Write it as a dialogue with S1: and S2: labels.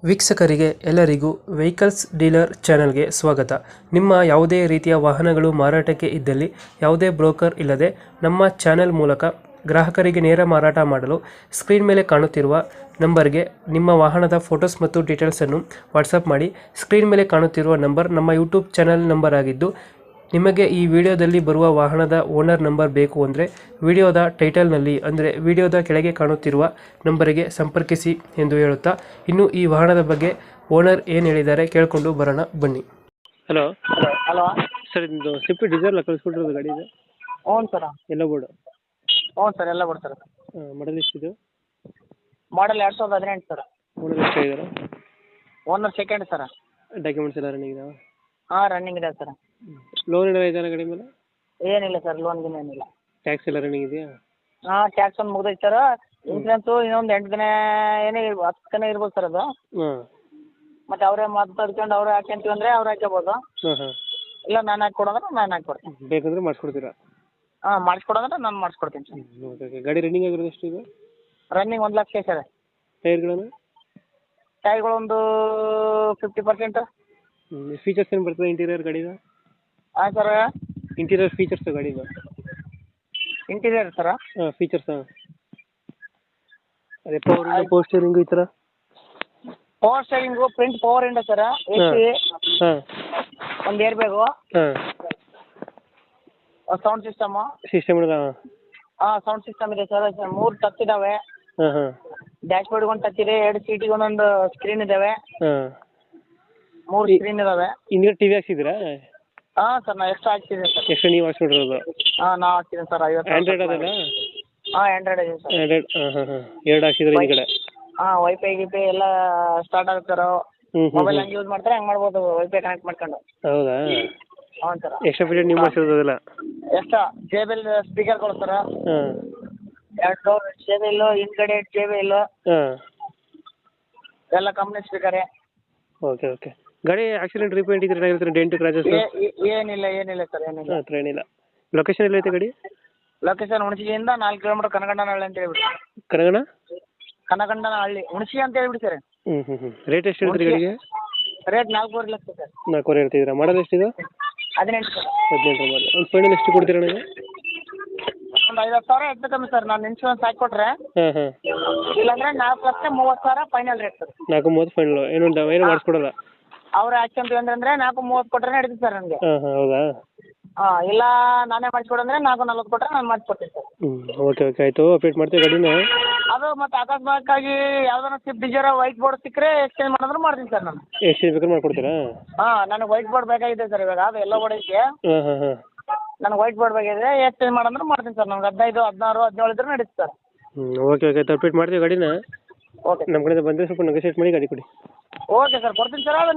S1: ವೀಕ್ಷಕರಿಗೆ ಎಲ್ಲರಿಗೂ vehicles dealer ಚಾನೆಲ್ಗೆ ಸ್ವಾಗತ. ನಿಮ್ಮ ಯಾವುದೇ ರೀತಿಯ ವಾಹನಗಳು ಮಾರಾಟಕ್ಕೆ ಇದ್ದಲ್ಲಿ ಯಾವುದೇ ಬ್ರೋಕರ್ ಇಲ್ಲದೆ ನಮ್ಮ ಚಾನೆಲ್ ಮೂಲಕ ಗ್ರಾಹಕರಿಗೆ ನೇರ ಮಾರಾಟ ಮಾಡಲು ಸ್ಕ್ರೀನ್ ಮೇಲೆ ಕಾಣುತ್ತಿರುವ ನಂಬರ್ಗೆ ನಿಮ್ಮ ವಾಹನದ ಫೋಟೋಸ್ ಮತ್ತು ಡೀಟೇಲ್ಸನ್ನು ವಾಟ್ಸಪ್ ಮಾಡಿ. ಸ್ಕ್ರೀನ್ ಮೇಲೆ ಕಾಣುತ್ತಿರುವ ನಂಬರ್ ನಮ್ಮ ಯೂಟ್ಯೂಬ್ ಚಾನೆಲ್ ನಂಬರ್ ಆಗಿದ್ದು, ನಿಮಗೆ ಈ ವಿಡಿಯೋದಲ್ಲಿ ಬರುವ ವಾಹನದ ಓನರ್ ನಂಬರ್ ಬೇಕು ಅಂದರೆ ವಿಡಿಯೋದ ಟೈಟಲ್ನಲ್ಲಿ ಅಂದರೆ ವಿಡಿಯೋದ ಕೆಳಗೆ ಕಾಣುತ್ತಿರುವ ನಂಬರಿಗೆ ಸಂಪರ್ಕಿಸಿ ಎಂದು ಹೇಳುತ್ತಾ, ಇನ್ನು ಈ ವಾಹನದ ಬಗ್ಗೆ ಓನರ್ ಏನು ಹೇಳಿದ್ದಾರೆ ಕೇಳಿಕೊಂಡು ಬರೋಣ ಬನ್ನಿ. Hello
S2: hello.
S1: ಸರ್, ಇದು ಸ್ವಿಫ್ಟ್ ಡಿಸೈರ್ ಕಳಿಸ್ಕೊಟ್ಟಿರೋದು ಗಾಡಿ ಇದೆ?
S2: ಹ್ಞೂ ಸರ್.
S1: ಎಲ್ಲ ಬೋರ್ಡು?
S2: ಹ್ಞೂ ಸರ್, ಎಲ್ಲ ಬಿಡಿ ಸರ್.
S1: ಮಾಡಲ್ ಎಷ್ಟಿದೆ?
S2: Model 2018 sir.
S1: ಓನರ್ ಎಷ್ಟಾಗಿದ್ದಾರೆ?
S2: Owner second sir.
S1: ಡಾಕ್ಯುಮೆಂಟ್ಸ್ ಎಲ್ಲ ರನ್ನಿಂಗ್ ಇದಾವೆ?
S2: ಹಾಂ, ರನ್ನಿಂಗ್ ಇದೆ ಸರ್.
S1: ಲೋನ್ ಏನಾರ ಇದೆಯಾ ಗಾಡಿ ಮೇಲೆ?
S2: ಏನಿಲ್ಲ ಸರ್, ಲೋನ್ ಗಿನ್ ಏನಿಲ್ಲ.
S1: ಟ್ಯಾಕ್ಸ್ ಎಲ್ಲ ರನ್ನಿಂಗ್ ಇದೆಯಾ?
S2: ಹಾಂ, ಟ್ಯಾಕ್ಸ್ ಒಂದು ಮುಗ್ದೈತೆ ಸರ್. ಇನ್ಸೂರೆನ್ಸು ಇನ್ನೊಂದು 8 ದಿನ ಏನೇ 10 ದಿನ ಇರ್ಬೋದು ಸರ್ ಅದು.
S1: ಹಾಂ.
S2: ಮತ್ತು ಅವರೇ ಮಾತಾಡ್ಕೊಂಡು ಅವರೇ ಹಾಕ್ಯಂತೀವಿ ಅಂದರೆ ಅವ್ರು ಹಾಕ್ಕೋಬೋದು.
S1: ಹಾಂ ಹಾಂ.
S2: ಇಲ್ಲ ನಾನು ಹಾಕ್ಕೊಡೋದ್ರೆ ನಾನು ಹಾಕ್ಕೊಡ್ತೀನಿ.
S1: ಬೇಕಂದ್ರೆ ಮಾಡಿಸ್ಕೊಡ್ತೀರಾ?
S2: ಹಾಂ, ಮಾಡಿಸ್ಕೊಡೋದ್ರೆ ನಾನು ಮಾಡಿಸ್ಕೊಡ್ತೀನಿ ಸರ್.
S1: Okay okay. ಗಾಡಿ ರನ್ನಿಂಗ್ ಆಗಿರೋದು ಎಷ್ಟು ಇದೆ?
S2: Running 1 lakh sir.
S1: ಟೈರ್ಗಳನ್ನು?
S2: ಟೈರ್ಗಳೊಂದು 50%.
S1: ಫೀಚರ್ಸ್ ಏನು ಬರ್ತದೆ ಇಂಟೀರಿಯರ್ ಗಾಡಿದು?
S2: ಹಾಂ ಸರ್.
S1: ಇಂಟೀರಿಯರ್ ಫೀಚರ್ಸ್ ಗಾಡಿದು?
S2: Interior sir?
S1: ಹಾಂ, ಫೀಚರ್ಸ್. ಅದೇ ಪವರ್ ಸ್ಟೀರಿಂಗು ಈ ಥರ?
S2: Power steering, front power window sir, AC,
S1: ಹಾಂ,
S2: ಒಂದು ಏರ್ ಬ್ಯಾಗು,
S1: ಹಾಂ,
S2: ಸೌಂಡ್ ಸಿಸ್ಟಮು.
S1: ಸಿಸ್ಟಮ್ ಇದೆ?
S2: ಹಾಂ, ಸೌಂಡ್ ಸಿಸ್ಟಮ್ ಇದೆ ಸರ್. 3 ಟಚ್ ಇದ್ದಾವೆ.
S1: ಹಾಂ ಹಾಂ.
S2: ಡ್ಯಾಶ್ ಬೋರ್ಡ್ಗೆ ಒಂದು ಟಚ್ ಇದೆ, 2 ಸೀಟಿಗೆ ಒಂದೊಂದು ಸ್ಕ್ರೀನ್ ಇದ್ದಾವೆ.
S1: ಹಾಂ.
S2: 3 ಸ್ಕ್ರೀನ್ ಇದ್ದಾವೆ.
S1: ಹಿಂದ್ಗಡೆ ಟಿ ವಿ ಹಾಕ್ಸಿದ್ದೀರಾ?
S2: ಹಾಂ ಸರ್, ನಾನು ಎಷ್ಟು ಹಾಕ್ಸಿದ್ದೀನಿ ಸರ್.
S1: ಎಷ್ಟು ನೀವು ಹಾಕ್ಸ್ಬಿಟ್ಟಿರೋದು?
S2: ಹಾಂ, ನಾವು ಹಾಕ್ಸಿದ್ದೀನಿ ಸರ್. 50.
S1: ಆ್ಯಂಡ್ರಾಯ್ಡ್ ಅದಲ್ಲ?
S2: ಹಾಂ, ಆ್ಯಂಡ್ರಾಯ್ಡ್ ಇದೆ ಸರ್.
S1: ಆ್ಯಂಡ್ರಾಯ್ಡ್. ಹಾಂ ಹಾಂ ಹಾಂ. 2 ಹಾಕ್ಸಿದ್ರೆ ಹಿಂದ್ಗಡೆ?
S2: ಹಾಂ, ವೈಫೈ ಗಿಫೈ ಎಲ್ಲ ಸ್ಟಾರ್ಟ್ ಆಗುತ್ತೆ ಸರ್. ಮೊಬೈಲ್ ಹಂಗೆ ಯೂಸ್ ಮಾಡ್ತಾರೆ, ಹಂಗೆ ಮಾಡ್ಬೋದು, ವೈಫೈ ಕನೆಕ್ಟ್ ಮಾಡ್ಕೊಂಡು.
S1: ಹೌದಾ?
S2: ಹ್ಞೂ ಸರ್.
S1: ಎಕ್ಸ್ಟ್ರಾ ಫೀಚರ್ ನೀವು ಮಾಡಿಸಿರೋದಲ್ಲ?
S2: ಎಷ್ಟು JBL ಸ್ಪೀಕರ್ಗಳು ಸರ್.
S1: ಹಾಂ.
S2: 2 ಡೋರ್ JBL, ಹಿಂದ್ಗಡೆ JBL
S1: ಹಾಂ.
S2: ಎಲ್ಲ ಕಂಪ್ನಿ ಸ್ಪೀಕರೇ.
S1: Okay okay. ಗಾಡಿ ಆಕ್ಸಿಡೆಂಟ್ ರಿಪೇಂಟ್ ಇದ್ರೆ ಏನಾಗಿರ್ತಾರೆ? ಡೆಂಟ್ ಕ್ರಾಚಸ್?
S2: ಏನಿಲ್ಲ ಸರ್, ಏನಿಲ್ಲ.
S1: ಹತ್ರ ಏನಿಲ್ಲ. ಲೊಕೇಶನ್ ಎಲ್ಲೈತೆ ಗಾಡಿ?
S2: ಲೊಕೇಶನ್ ಹುಣಸಿಯಿಂದ 4 ಕಿಲೋಮೀಟರ್ ಕನಗಂಡನಹಳ್ಳಿ ಅಂತ ಹೇಳ್ಬಿಡಿ.
S1: ಕನಗಣ?
S2: ಕನಗಂಡನಹಳ್ಳಿ, ಹುಣಸಿ ಅಂತ ಹೇಳ್ಬಿಡಿ ಸರ್.
S1: ಹ್ಞೂ ಹ್ಞೂ ಹ್ಞೂ. ರೇಟ್ ಎಷ್ಟು ಹೇಳ್ತೀರಿ ಗಾಡಿಗೆ?
S2: Rate 4.5 lakh sir.
S1: 4.5 ಹೇಳ್ತಿದ್ದೀರಾ? ಮಾಡಲ್ ಎಷ್ಟಿದೆ?
S2: 18 ಸರ್.
S1: 18 ಮಾಡಿ. ಒಂದು ಫೈನಲ್ ಎಷ್ಟು ಕೊಡ್ತೀರಾ ನನಗೆ?
S2: ಒಂದು 50,000 ಹೆಚ್ಚು ಕಮ್ಮಿ ಸರ್. ನಾನು ಇನ್ಶೂರೆನ್ಸ್ ಹಾಕಿಕೊಟ್ರೆ,
S1: ಹಾಂ ಹಾಂ.
S2: ಇಲ್ಲಾಂದ್ರೆ 4,30,000 ಫೈನಲ್ ರೇಟ್ ಸರ್.
S1: 4.30 ಫೈನಲ್? ಏನು ಮಾಡಿಸ್ಕೊಡಲ್ಲ?
S2: ಅವ್ರು ಹಾಕ್ಕೊಂತೀವಿ ಅಂದ್ರೆ 4.30 ಕೊಟ್ಟರೆ ನಡೀತದೆ ಸರ್ ನನಗೆ.
S1: ಹಾಂ ಹಾಂ. ಹೌದಾ?
S2: ಹಾಂ, ಇಲ್ಲ ನಾನೇ ಮಾಡಿಸ್ಕೊಡಂದ್ರೆ 4.40 ಕೊಟ್ಟರೆ ನಾನು ಮಾಡಿಸ್ಕೊಡ್ತೀನಿ ಸರ್.
S1: ಹ್ಞೂ. ಓಕೆ ಓಕೆ, ಆಯಿತು. ಅಪ್ಡೇಟ್ ಮಾಡ್ತೀವಿ ಗಾಡಿನ.
S2: ಅದು ಮತ್ತೆ ಅಕಸ್ಮಾತ್ತಾಗಿ ಯಾವ್ದಾರ ಸ್ವಿಫ್ಟ್ ಡಿಸೈರ್ ವೈಟ್ ಬೋರ್ಡ್ ಸಿಕ್ಕರೆ ಎಕ್ಸ್ಚೇಂಜ್ ಮಾಡಿದ್ರೆ ಮಾಡ್ತೀನಿ ಸರ್ ನಾನು.
S1: ಎಷ್ಟು ಬೇಕಾದ್ರೆ ಮಾಡ್ಕೊಡ್ತೀರಾ?
S2: ಹಾಂ, ನನಗೆ ವೈಟ್ ಬೋರ್ಡ್ ಬೇಕಾಗಿದೆ ಸರ್ ಇವಾಗ. ಅದು ಎಲ್ಲ ಬೋರ್ಡ್ ಐತೆ.
S1: ಹಾಂ ಹಾಂ ಹಾಂ.
S2: ನನಗೆ ವೈಟ್ ಬೋರ್ಡ್ ಬೇಕಾಗಿದೆ, ಎಕ್ಸ್ಚೇಂಜ್ ಮಾಡಂದ್ರೆ ಮಾಡ್ತೀನಿ ಸರ್. ನನಗೆ 15, 16, 17 ಇದ್ರೆ ನಡೀತು ಸರ್.
S1: ಹ್ಞೂ. ಓಕೆ ಓಕೆ, ಆಯ್ತು. ಅಪ್ಡೇಟ್ ಮಾಡ್ತೀವಿ ಗಾಡಿನ.
S2: ಓಕೆ
S1: ನಮ್ಮ ಕಡೆಯಿಂದ ಬಂದರೆ ಸ್ವಲ್ಪ ನೆಗೋಸಿಯೇಟ್ ಮಾಡಿ ಗಾಡಿ ಕೊಡಿ.
S2: ಓಕೆ ಸರ್, ಕೊಡ್ತೀನಿ ಸರ್. ಅದು